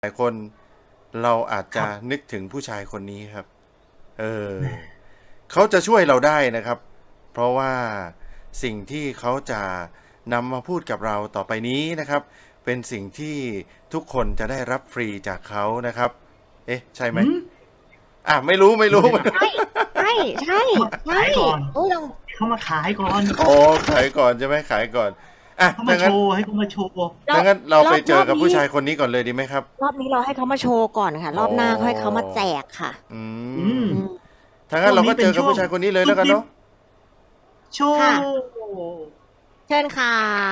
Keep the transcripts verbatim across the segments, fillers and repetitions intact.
หลายคนเราอาจจะนึกถึงผู้ชายคนนี้ครับ เออ เขาจะช่วยเราได้นะครับ เพราะว่าสิ่งที่เขาจะนำมาพูดกับเราต่อไปนี้นะครับ เป็นสิ่งที่ทุกคนจะได้รับฟรีจากเขานะครับ เอ๊ะ ใช่ไหม อ่ะ ไม่รู้ไม่รู้ใช่ใช่ใช่ใช่ขายก่อนโอ้เราเขามาขายก่อนโอ้ขายก่อนใช่ไหมขายก่อน อ่ะเขามาถ้าโชงั้นว์ให้เขามาโชว์ถ้างั้นเราไปเจอกับรอบนี้ผู้ชายคนนี้ก่อนเลยดีไหมครับรอบนี้เราให้เขามาโชว์ก่อนค่ะ รอบหน้าอ๋อให้เขามาแจกค่ะอือืมมอืมถ้างั้นเราก็เจอกับช่วงนี้เป็นช่วงผู้ชายคนนี้เลยแล้วกันเนาะโชว์ค่ะ เชิญค่ะ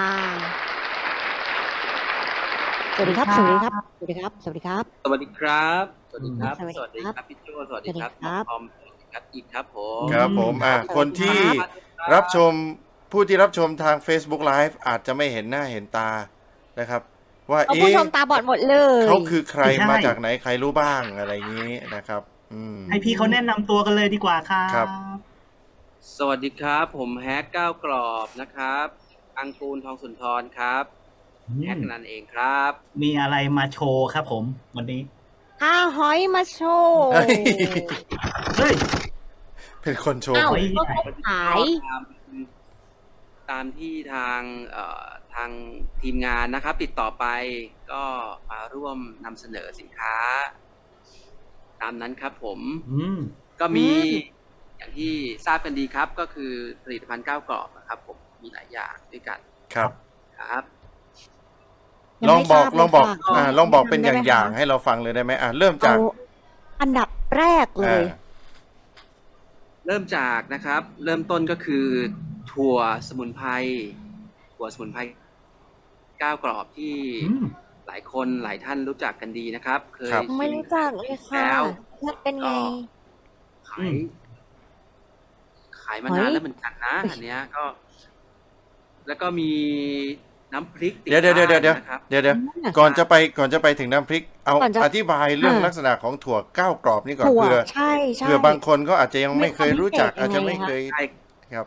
สวัสดีครับ สวัสดีครับ สวัสดีครับ สวัสดีครับสวัสดีครับ สวัสดีครับสวัสดีสวัสดีครับครับพี่โจสวัสดีครับสวัสดีครับน้องทอมสวัสดีครับอีกครับผมครับผม อ่ะสวัสดีครับคนที่ครับรับชมผู้ที่รับชมทาง Facebook Live อาจจะไม่เห็นหน้าเห็นตานะครับ ว่าเอาเอ๊ะผู้ชมตาบอดหมดเลยเขาคือใครมาจากไหนใครรู้บ้างอะไรอย่างนี้นะครับ อืมให้พี่เขาแนะนำตัวกันเลยดีกว่าครับครับสวัสดีครับ ผมแฮกก้าวกรอบนะครับ อังกูลทองสุนทรครับอืแฮกมนั่นเองครับมีอะไรมาโชว์ครับผม วันนี้ข้าหอยมาโชว์เฮ้ยเฮ้ยเป็นคนโชว์อ้าวหวยก็เขาขายตามตามที่ทางเอ่อทางทีมงานนะครับ ติดต่อไปก็มาร่วมนำเสนอสินค้า ตามนั้นครับผมอืมก็มีอืมอย่างที่ทราบกันดีครับ ก็คือผลิตภัณฑ์ก้าวกรอบนะครับผมมีหลายอย่างด้วยกันครับครับยังลองไม่บอกทราบลองบอกเลยค่ะอ่าลองบอกเป็นได้ไหมอย่างคะๆให้เราฟังเลยได้ไหมอ่าเริ่มจากเอาอันดับแรกเลยอ่าเริ่มจากนะครับ เริ่มต้นก็คือถั่วสมุนไพรถั่วสมุนไพรก้าวกรอบที่อืมหลายคนหลายท่านรู้จักกันดีนะครับ เคยครับไม่ชิมรู้จักเลยค่ะแล้วมันเป็นไงขายขายมาเฮ้ยนานแล้วเหมือนกันนะอันเนี้ยก็ แล้วก็มีน้ำพริกติดเดี๋ยวเดี๋ยวเดี๋ยวเดี๋ยวเดี๋ยวบ้านนะครับเดี๋ยวเดี๋ยวก่อนจะไปก่อนจะไปถึงน้ำพริก เอาก่อนจะอธิบายเรื่องอ่าลักษณะของถั่วก้าวกรอบนี่ก่อนถั่วเพื่อใช่ใช่เผื่อบางคนก็อาจจะยังไม่เคยรู้จักมีความอาจจะพิเศษยังไงไม่เคยใช่ครับ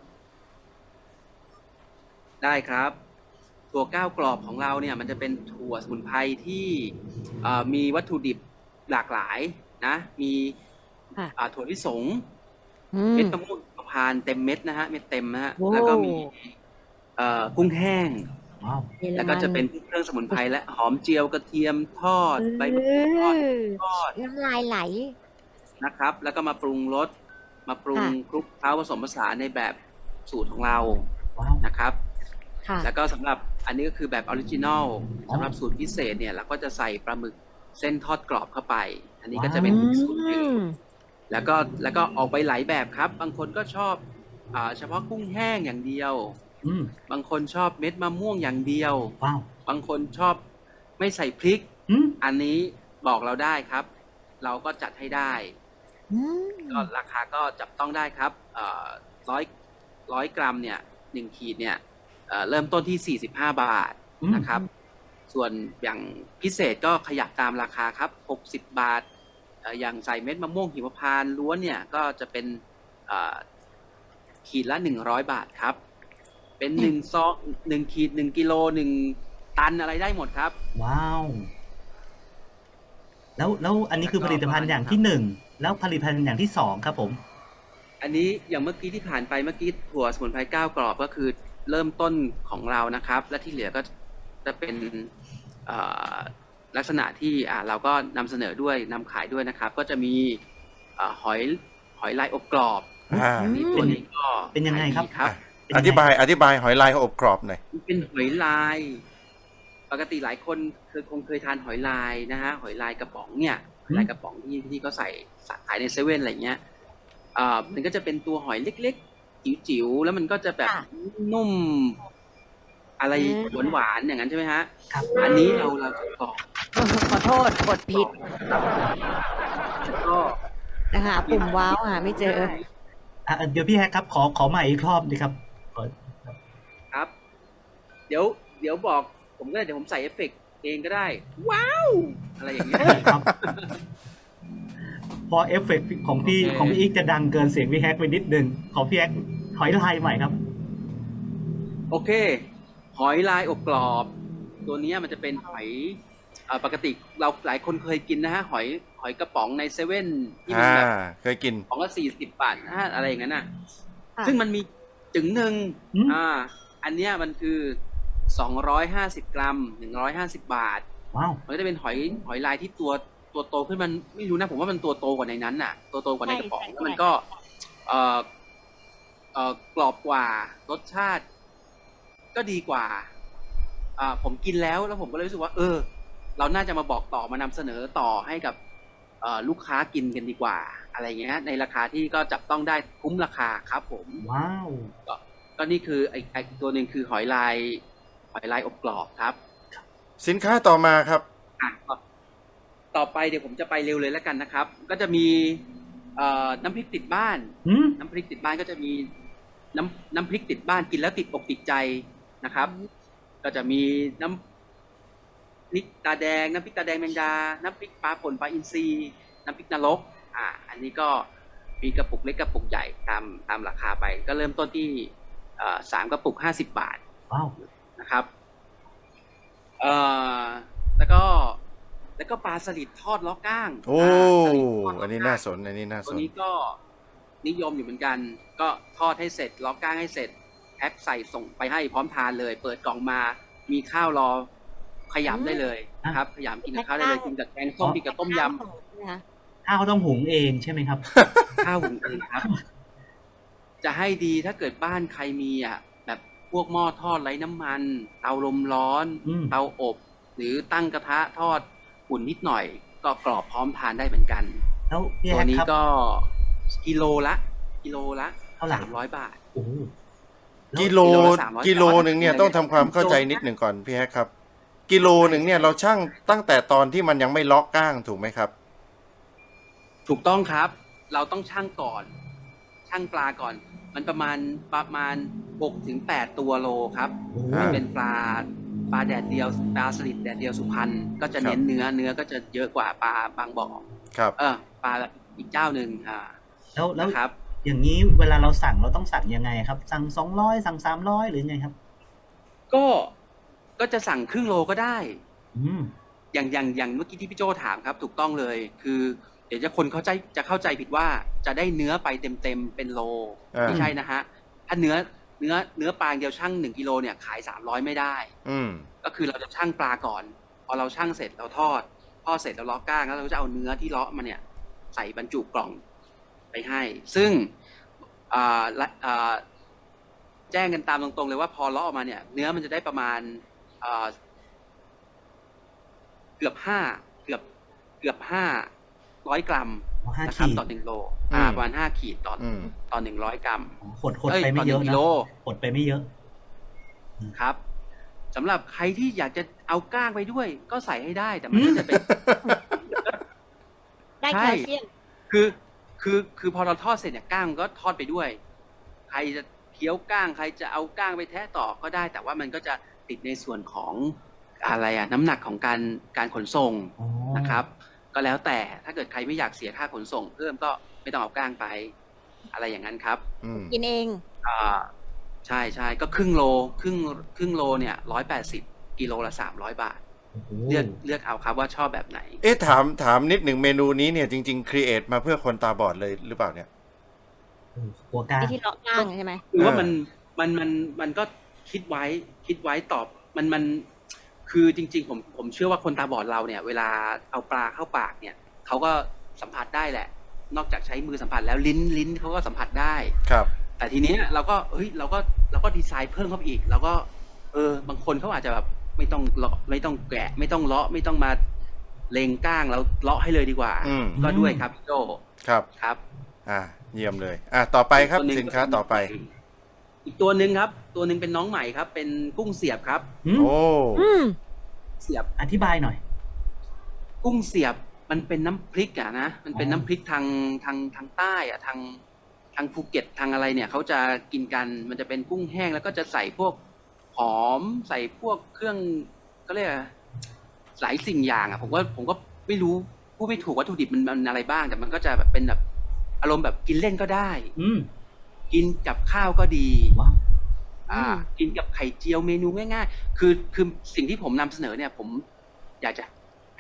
ได้ครับ ถั่วก้าวกรอบของเราเนี่ย มันจะเป็นถั่วสมุนไพรที่เอ่อมีวัตถุดิบหลากหลายนะ มีค่ะอ่าถั่วลิสงอืเม็มดมะม่วงหิมพานต์เต็มเม็ดนะฮะเม็ดเต็มนะฮะโอ้แล้วก็มีเอ่อกุ้งแห้งว้าวเยอรมันแล้วก็จะเป็นเครื่องสมุนไพรและหอมเจียวกระเทียมทอดใบมะกรูดทอดเออทอดน้ำลายไหลนะครับ แล้วก็มาปรุงรสมาปรุงค่ะคลุกเคล้าผสมผสานในแบบสูตรของเราว้าวนะครับค่ะแล้วก็สำหรับอันนี้ก็คือแบบออริจินอลอ๋อสำหรับสูตรพิเศษเนี่ยเราก็จะใส่ปลาหมึกเส้นทอดกรอบเข้าไป อันนี้ก็จะเป็นอีกสูตรหนึ่งอืมแล้วก็แล้วก็ออกไปหลายแบบครับ บางคนก็ชอบอ่าเฉพาะกุ้งแห้งอย่างเดียวอืมบางคนชอบเม็ดมะม่วงอย่างเดียวว้าวบางคนชอบไม่ใส่พริกอืมอันนี้บอกเราได้ครับ เราก็จัดให้ได้อืมก็ราคาก็จับต้องได้ครับร้อยร้อยกรัมเนี่ยหนึ่งขีดเนี่ยเอ่อเริ่มต้นที่สี่สิบห้าบาทอืมนะครับ ส่วนอย่างพิเศษก็ขยับตามราคาครับหกสิบบาทเอ่ออย่างใส่เม็ดมะม่วงหิมพานต์ล้วนเนี่ยก็จะเป็นเอ่อขีดละหนึ่งร้อยบาทครับ เป็นหนึ่งซองหนึ่งขีดหนึ่งกิโลหนึ่งตันอะไรได้หมดครับว้าว แล้วแล้วอันนี้คือผลิตภัณฑ์อย่างที่หนึ่ง แล้วผลิตภัณฑ์อย่างที่สองครับผมอันนี้อย่างเมื่อกี้ที่ผ่านไปเมื่อกี้ถั่วสมุนไพรก้าวกรอบก็คือเริ่มต้นของเรานะครับ และที่เหลือก็จะเป็นเอ่อลักษณะที่อ่าเราก็นำเสนอด้วยนำขายด้วยนะครับ ก็จะมีเอ่อหอยหอยลายอบกรอบอ่าอันนี้ตัวนี้ก็เป็นยังไงครับขายดีครับเป็นอยังไงธิบายอธิบายหอยลายอบกรอบหน่อยมันเป็นหอยลาย ปกติหลายคนเคยคงเคยทานหอยลายนะฮะหอยลายกระป๋องเนี่ยหอยลายกระป๋องที่ที่เขาใส่ขายในเซเว่นอะไรเงี้ยอ่ามันก็จะเป็นตัวหอยเล็กๆจิ๋วๆแล้วมันก็จะแบบค่ะนุ่ม อะไรอืมหวานๆอย่างนั้นใช่ไหมฮะครับอันนี้เราเราจะกรอกขอโทษกดผิดแล้วก็นะคะ ปุ่มว้าวหาไม่เจออ่ะเดี๋ยวพี่แฮกครับ ขอขอใหม่อีกรอบดีครับขอครับ เดี๋ยวเดี๋ยวบอกผมก็ได้เดี๋ยวผมใส่เอฟเฟกต์เองก็ได้ ว้าว อะไรอย่างเงี้ยครับ พอเอฟเฟกต์ของพี่โอเคของพี่อีกจะดังเกินเสียงพี่แฮกไปนิดนึงของพี่แฮกถอยลายใหม่ครับโอเค หอยลายอบกรอบ ตัวเนี้ยมันจะเป็นหอยเออ่าปกติเราหลายคนเคยกินนะฮะหอยหอยกระป๋องในเซเว่นที่มันอ่าแบบเคยกินของละสี่สิบบาทนะฮะอะไรอย่างนั้นน่ะค่ะซึ่งมันมีจึงหนึ่งอืมอ่า อันเนี้ยมันคือสองร้อยห้าสิบกรัมหนึ่งร้อยห้าสิบบาทว้าวมันก็จะเป็นหอยหอยลายที่ตัวตัวโตขึ้นมันไม่รู้นะผมว่ามันตัวโตกว่าในนั้นน่ะ ตัวโตกว่าในกระป๋องใช่แล้วมันใช่ก็เอ่อเอ่อกรอบกว่ารสชาติ ก็ดีกว่าอ่าผมกินแล้วแล้วผมก็เลยรู้สึกว่า เออ เราน่าจะมาบอกต่อมานำเสนอต่อให้กับเอ่อลูกค้ากินกันดีกว่า อะไรเงี้ยในราคาที่ก็จับต้องได้คุ้มราคาครับผมว้าวก็ก็นี่คือไอ้ไอ้ตัวหนึ่งคือหอยลายหอยลายอบกรอบครับสินค้าต่อมาครับอ่ะต่อต่อไปเดี๋ยวผมจะไปเร็วเลยแล้วกันนะครับ ก็จะมีเอ่อน้ำพริกติดบ้านอืมน้ำพริกติดบ้านก็จะมีน้ำน้ำพริกติดบ้านกินแล้วติดอกติดใจนะครับ ก็จะมีน้ำพริกตาแดงน้ำพริกตาแดงแมงดา น้ำพริกปลาป่นปลาอินทรีน้ำพริกนรกอ่า อันนี้ก็มีกระปุกเล็กกระปุกใหญ่ตามตามราคาไป ก็เริ่มต้นที่เอ่อสามกระปุกห้าสิบบาทว้าวนะครับเอ่อแล้วก็แล้วก็ปลาสลิดทอดล้อก้างโอ้าสลิดทดล้อันนี้ก้งน่าสน อันนี้น่าตัสวน นี้ก็นิยมอยู่เหมือนกัน ก็ทอดให้เสร็จล้อก้างให้เสร็จแพ็คใส่ส่งไปให้พร้อมทานเลย เปิดกล่องมามีข้าวรอขยำได้เลยนะครับ ขยำกินกับข้าวได้เลยกินกับแกงส้มกินกับต้มยนะคะข้าวต้องหุงเองใช่ไหมครับำ ข้าวหุงเองครับ จะให้ดีถ้าเกิดบ้านใครมีอ่ะแบบพวกหม้อทอดไร้น้ำมัน เตาลมร้อนอืมเตาอบ หรือตั้งกระทะทอดอุ่นนิดหน่อย ก็กรอบพร้อมทานได้เหมือนกันแล้วพี่ตัวแฮกนี้ครับก็กิโลละ กิโลละเท่าไหร่สามร้อยบาทโอ้โหแล้วกิโลกิโลละสามร้อยกิโลหนึ่งเนี่ยต้องทำความเข้าใจนิดหนึ่งก่อนพี่แฮกครับ กิโลหนึ่งเนี่ยเราชั่งตั้งแต่ตอนที่มันยังไม่ล็อกก้างถูกไหมครับถูกต้องครับ เราต้องชั่งก่อน ชั่งปลาก่อน มันประมาณประมาณหกถึงแปดตัวโลครับโอ้โหอ่าเป็นปลาปลาแดดเดียวปลาสลิดแดดเดียวสุพรรณก็จะเน้นเนื้อเนื้อก็จะเยอะกว่าปลาบางบ่อครับเออปลาอีกเจ้าหนึ่งอ่าแล้วแล้วนะครับอย่างนี้เวลาเราสั่งเราต้องสั่งยังไงครับ สั่งสองร้อยสั่งสามร้อยหรือไงครับก็ก็จะสั่งครึ่งโลก็ได้อืมอย่างอย่างอย่างเมื่อกี้ที่พี่โจถามครับ ถูกต้องเลย คือเดี๋ยวจะคนเข้าใจจะเข้าใจผิดว่าจะได้เนื้อไปเต็มเต็มๆเป็นโลอ่าไม่ใช่นะฮะถ้าเนื้อเนื้อเนื้อปลาอย่างเดียวชั่งหนึ่งกิโลเนี่ยขายสามร้อยไม่ได้อืมก็คือเราจะชั่งปลาก่อน พอเราชั่งเสร็จเราทอดทอดเสร็จเราเลาะก้างแล้วเราก็จะเอาเนื้อที่เลาะมาเนี่ย ใส่บรรจุกล่องไปให้ ซึ่งอ่าละอ่าแจ้งกันตามตรงๆเลยว่าพอเลาะออกมาเนี่ย เนื้อมันจะได้ประมาณอ่าเกือบห้าเกือบเกือบห้าร้อยกรัมอ๋อห้านะครับขีดต่อหนึ่งโลอ่าอืมประมาณห้าขีดต่อออืมต่อหนึ่งร้อยกรัมอ๋อขดขดเอ้ยไปไม่เยอะต่อหนึ่งกินะโลขดไปไม่เยอะครับสำหรับใครที่อยากจะเอาก้างไปด้วย ก็ใส่ให้ได้แต่มันก็จะเป็นได้ใช่แคลเซียมคือคือคือพอเราทอดเสร็จเนี่ยก้างมันก็ทอดไปด้วย ใครจะเคี้ยวก้าง ใครจะเอาก้างไปแทะต่อก็ได้ แต่ว่ามันก็จะติดในส่วนของอะไรอะน้ำหนักของการการขนส่งอ๋อนะครับ ก็แล้วแต่ถ้าเกิดใครไม่อยากเสียค่าขนส่ง เพิ่มก็ไม่ต้องเอาก้างไป อะไรอย่างนั้นครับอืมกินเองอ่าใช่ใช่ก็ครึ่งโลครึ่งครึ่งโลเนี่ยร้อยแปดสิบกิโลละสามร้อยบาทโอ้โหเลือกเลือกเอาครับว่าชอบแบบไหนเอ๊ะถามถามนิดหนึ่งเมนูนี้เนี่ยจริงๆครีเอทมาเพื่อคนตาบอดเลยหรือเปล่าเนี่ยโอ้โหหัวกล้างไอ้ที่เลาะก้างใช่ไหมคือว่าเออมันมันมันมันก็คิดไว้คิดไว้ตอบมันมันคือจริง ๆ ผมผมเชื่อว่าคนตาบอดเราเนี่ย เวลาเอาปลาเข้าปากเนี่ยเขาก็สัมผัสได้แหละ นอกจากใช้มือสัมผัสแล้วลิ้นลิ้นเขาก็สัมผัสได้ครับแต่ทีเนี้ยเราก็เฮ้ยเราก็เราก็ดีไซน์เพิ่มเข้าไปอีกเราก็ เออบางคนเขาอาจจะแบบไม่ต้องเลาะไม่ต้องแกะ ไม่ต้องเลาะไม่ต้องมาเลงก้างแล้วเลาะให้เลยดีกว่าอืมก็ด้วยครับพี่โจครับครับอ่า เยี่ยมเลย อ่าต่อไปครับตัวหงสินค้าต่อไปอีกตัวหนึ่งครับ ตัวหนึ่งเป็นน้องใหม่ครับ เป็นกุ้งเสียบครับอืมโอ้อืมเสียบอธิบายหน่อยกุ้งเสียบมันเป็นน้ำพริกอะนะมันเป็นอ๋อน้ำพริกทางทางทางใต้อะทางทางภูเก็ตทางอะไรเนี่ยเขาจะกินกันมันจะเป็นกุ้งแห้งแล้วก็จะใส่พวกหอมใส่พวกเครื่องก็เรียกอะไรหลายสิ่งอย่างอะผมว่าผมก็ไม่รู้พูดไม่ถูกวัตถุดิบมันมันอะไรบ้าง แต่มันก็จะแบบเป็นแบบอารมณ์แบบกินเล่นก็ได้อืมกินกับข้าวก็ดีว้าวอ่าอืมกินกับไข่เจียวเมนูง่ายๆ คือคือสิ่งที่ผมนำเสนอเนี่ย ผมอยากจะ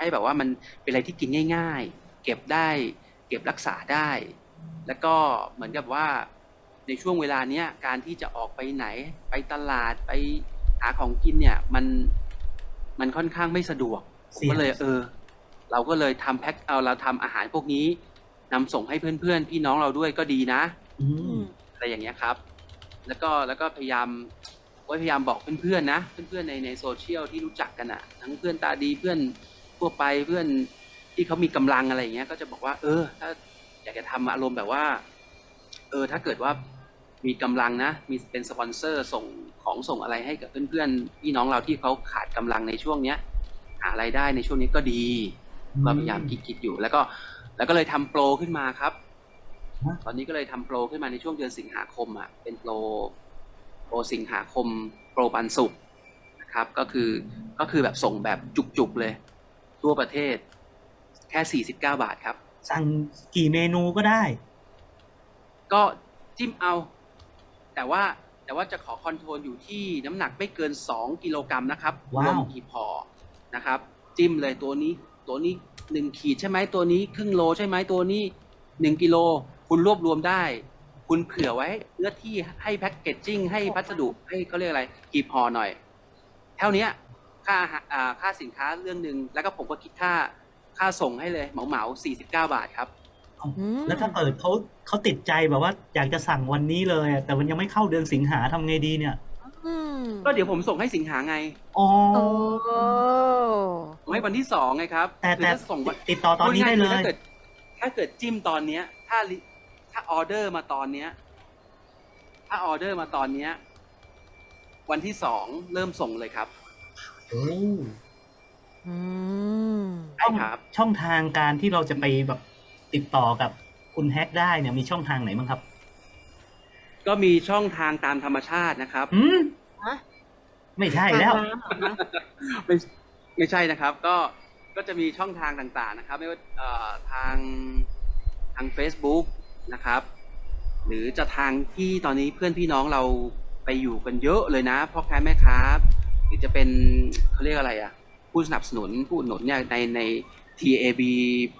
ให้แบบว่ามันเป็นอะไรที่กินง่ายๆ เก็บได้ เก็บรักษาได้ แล้วก็เหมือนกับว่าในช่วงเวลาเนี้ยการที่จะออกไปไหนไปตลาดไปหาของกินเนี่ยมันมันค่อนข้างไม่สะดวกผมก็เลยเออ เราก็เลยทำแพ็คเอาเราทำอาหารพวกนี้นำส่งให้เพื่อนๆพี่น้องเราด้วยก็ดีนะอือืมมอะไรอย่างเงี้ยครับ แล้วก็แล้วก็พยายามก็พยายามบอกเพื่อนๆนะเพื่อนๆในในโซเชียลที่รู้จักกันอ่ะทั้งเพื่อนตาดีเพื่อนทั่วไปเพื่อนที่เขามีกำลังอะไรอย่างเงี้ยก็จะบอกว่าเออถ้าอยากจะทำอารมณ์แบบว่าเออถ้าเกิดว่ามีกำลังนะมีเป็นสปอนเซอร์ส่งของส่งอะไรให้กับเพื่อนๆพี่น้องเราที่เขาขาดกำลังในช่วงเนี้ยหารายได้ในช่วงนี้ก็ดีอืมก็พยายามคิดๆอยู่แล้วก็แล้วก็เลยทำโปรขึ้นมาครับฮะตอนนี้ก็เลยทำโปรขึ้นมาในช่วงเดือนสิงหาคมอ่ะเป็นโปรโปรสิงหาคมโปรปันสุกร์นะครับก็คือก็คือแบบส่งแบบจุกๆเลย ทั่วประเทศแค่สี่สิบเก้าบาทครับสั่งกี่เมนูก็ได้ก็จิ้มเอา แต่ว่าแต่ว่าจะขอคอนโทรลอยู่ที่น้ำหนักไม่เกินสองกิโลกรัมนะครับรว้าววมกี่พอนะครับ จิ้มเลยตัวนี้ตัวนี้หนึ่งขีดใช่ไหมตัวนี้ครึ่งโลใช่ไหมตัวนี้หนึ่งกิโลคุณรวบรวมได้ คุณเผื่อไว้เพื่อที่ให้แพ็กเกจจิ้งให้พัสดุให้เขาเรียกอะไรกี่พอหน่อย เท่านี้ค่าอาหารอ่าค่าสินค้าเรื่องหนึ่งแล้วก็ผมก็คิดค่าค่าส่งให้เลยเหมาเหมาสี่สิบเก้าบาทครับอืมแล้วถ้าเกิดเขาเขาติดใจแบบว่าอยากจะสั่งวันนี้เลยอะแต่มันยังไม่เข้าเดือนสิงหาทำไงดีเนี่ยอืมก็เดี๋ยวผมส่งให้สิงหาไงอ๋อโอ้ส่งให้วันที่สองไงครับแต่คือแต่ถ้าส่งวันติดต่อตอนนี้ได้เลพูาย ๆคือถ้าเกิดถ้าเกิดจิ้มตอนเนี้ย ถ้าลิถ้าออเดอร์มาตอนเนี้ย ถ้าออเดอร์มาตอนเนี้ย วันที่สองเริ่มส่งเลยครับโอ้อืมใช่ครับช่องทางการที่เราจะไปแบบติดต่อกับคุณแฮกได้เนี่ยมีช่องทางไหนบ้างครับก็มีช่องทางตามธรรมชาตินะครับอืมฮะไม่ใช่แล้วทางน้ำเหรอคะไม่ไม่ใช่นะครับ ก็ก็จะมีช่องทางต่างๆนะครับ ไม่ว่าเอ่อทางทาง Facebook นะครับ หรือจะทางที่ตอนนี้เพื่อนพี่น้องเราไปอยู่กันเยอะเลยนะพ่อค้าแม่ค้าหรือจะเป็นเขาเรียกอะไรอ่ะ ผู้สนับสนุนผู้อุดหนุนเนี่ยในใน ที เอ บี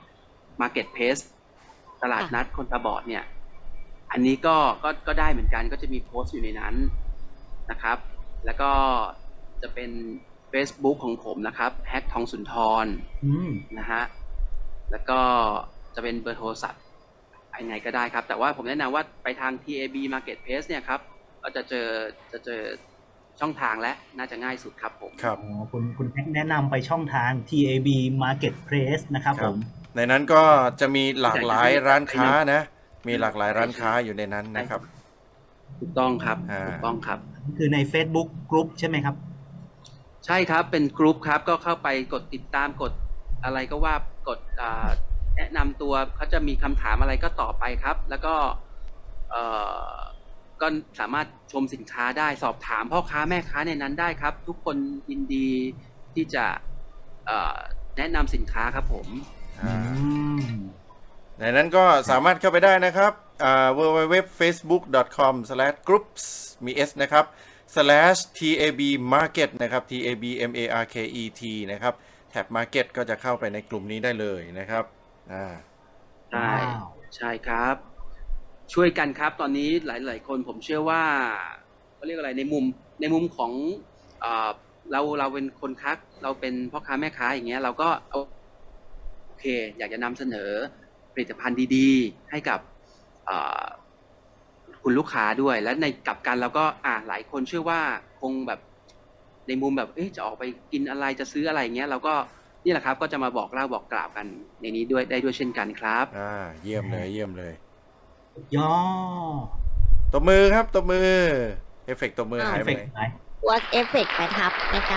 Marketplace ตลาดนัดคนตาบอดเนี่ย อันนี้ก็ก็ก็ได้เหมือนกันก็จะมีโพสต์อยู่ในนั้นนะครับ แล้วก็จะเป็น Facebook ของผมนะครับแฮกทองสุนทรอืมนะฮะ แล้วก็จะเป็นเบอร์โทรศัพท์ยังไงก็ได้ครับ แต่ว่าผมแนะนำว่าไปทาง ที เอ บี Marketplace เนี่ยครับ ก็จะเจอจะเจอช่องทางและน่าจะง่ายสุดครับผมครับอ๋อคุณคุณแฮกแนะนำไปช่องทาง ที เอ บี Marketplace นะครับคผรับมในนั้นก็จะมีหลากหลายร้านค้านะ มีหลากหลายร้านค้าอยู่ในนั้นนะครับถูกต้องครับอ่าถูกต้องครับคือใน Facebook Group ใช่ไหมครับใช่ครับ เป็นกลุ่มครับ ก็เข้าไปกดติดตามกดอะไรก็ว่ากดอ่าแนะนำตัวเขาจะมีคำถามอะไรก็ตอบไปครับ แล้วก็เอ่อก็สามารถชมสินค้าได้สอบถามพ่อค้าแม่ค้าในนั้นได้ครับ ทุกคนยินดีที่จะเอ่อแนะนำสินค้าครับผมอือ่ามในนั้นก็สามารถเข้าไปได้นะครับอ่า ดับเบิลยู ดับเบิลยู ดับเบิลยู ดับเบิลยู ดอท เฟซบุ๊ก ดอท คอม สแลช กรุ๊ปส์ มี S นะครับ slash ที เอ บี Market นะครับ ที เอ บี เอ็ม เอ อาร์ เค อี ที นะครับ แท็บ Market ก็จะเข้าไปในกลุ่มนี้ได้เลยนะครับอ่าใช่ว้าวใช่ครับ ช่วยกันครับ ตอนนี้หลาย ๆ คนผมเชื่อว่าเขาเรียกอะไรในมุมในมุมของเอ่อเราเราเป็นคนค้าเราเป็นพ่อค้าแม่ค้าอย่างเงี้ยเราก็เอาโอเค อยากจะนำเสนอผลิตภัณฑ์ดีๆ ให้กับเอ่อคุณลูกค้าด้วย และในกลับกันเราก็อ่าหลายคนเชื่อว่าคงแบบในมุมแบบเอ๊ะจะออกไปกินอะไรจะซื้ออะไรเงี้ยเราก็นี่แหละครับก็จะมาบอกเล่าบอกกล่าวกันในนี้ด้วยได้ด้วยเช่นกันครับอ่า เยี่ยมเลย เยี่ยมเลยย่อตบมือครับ ตบมือ เอฟเฟกต์ตบมืออ้าวหายเอฟไปเฟกไหนต์ไหน work effect ไปทับนะคะ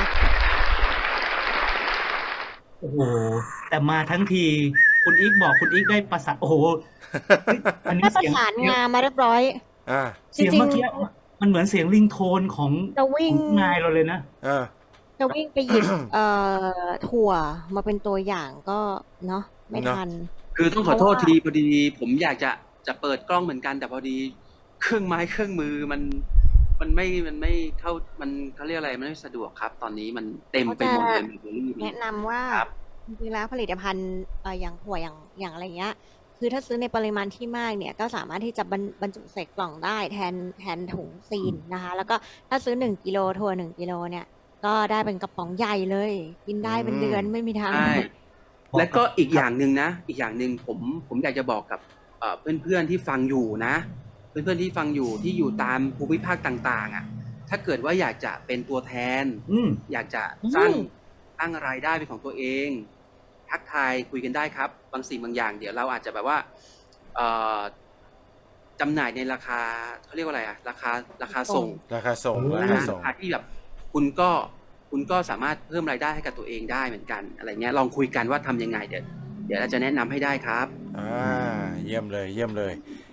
โอ้โห แต่มาทั้งที คุณอีกบอกคุณอีกได้ประสานโอ้โหเฮ้ยอันนี้ได้ประเสียงสานงานมาเรียบร้อยอ่าเสียงจริงๆเมื่อกี้มันเหมือนเสียงลิงโทนของจะวิ่งของนายเราเลยนะอ่าจะวิ่งไปหยิบ เอ่อถั่วมาเป็นตัวอย่างก็เนาะไม่เนอะทันคือต้องขอโทษทีพอดีผมอยากจะจะเปิดกล้องเหมือนกัน แต่พอดีเครื่องไม้เครื่องมือมันมันไม่มันไม่เข้ามันเขาเรียกอะไรมันไม่สะดวกครับ ตอนนี้มันเต็มไปหมดเลยมันแนะนำว่าครับจริงๆแล้วผลิตภัณฑ์เอ่ออย่างถั่วอย่างอย่างอะไรเงี้ย คือถ้าซื้อในปริมาณที่มากเนี่ย ก็สามารถที่จะบรรบรรจุใส่กล่องได้แทนแทนถุงซีนนะคะ แล้วก็ถ้าซื้อหนึ่งกิโลถั่วหนึ่งกิโลเนี่ย ก็ได้เป็นกระป๋องใหญ่เลย กินได้เป็นเดือนอืมไม่มีทางใช่บอกและก็อีกคอรับย่างหนึ่งนะ อีกอย่างหนึ่งผมผมอยากจะบอกกับเอ่อเพื่อนๆที่ฟังอยู่นะ เพื่อนๆที่ฟังอยู่ที่อยู่ตามภูมิภาคต่างๆอ่ะ ถ้าเกิดว่าอยากจะเป็นตัวแทนอืมอยากจะอืสร้างมสร้างรายได้เป็นของตัวเอง ทักทายคุยกันได้ครับ บางสิ่งบางอย่าง เดี๋ยวเราอาจจะแบบว่าเอ่อจำหน่ายในราคาเขาเรียกว่าอะไรอะราคาราคาส่ส่งงราคาส่งโอ้รานะคาฮะส่ราง คาที่แบบคุณก็คุณก็สามารถเพิ่มรายได้ให้กับตัวเองได้เหมือนกัน อะไรเงี้ยลองคุยกันว่าทำยังไงเดี๋ยวเดี๋ยวเราจะแนะนำให้ได้ครับอ่า เยี่ยมเลย เยี่ยมเลย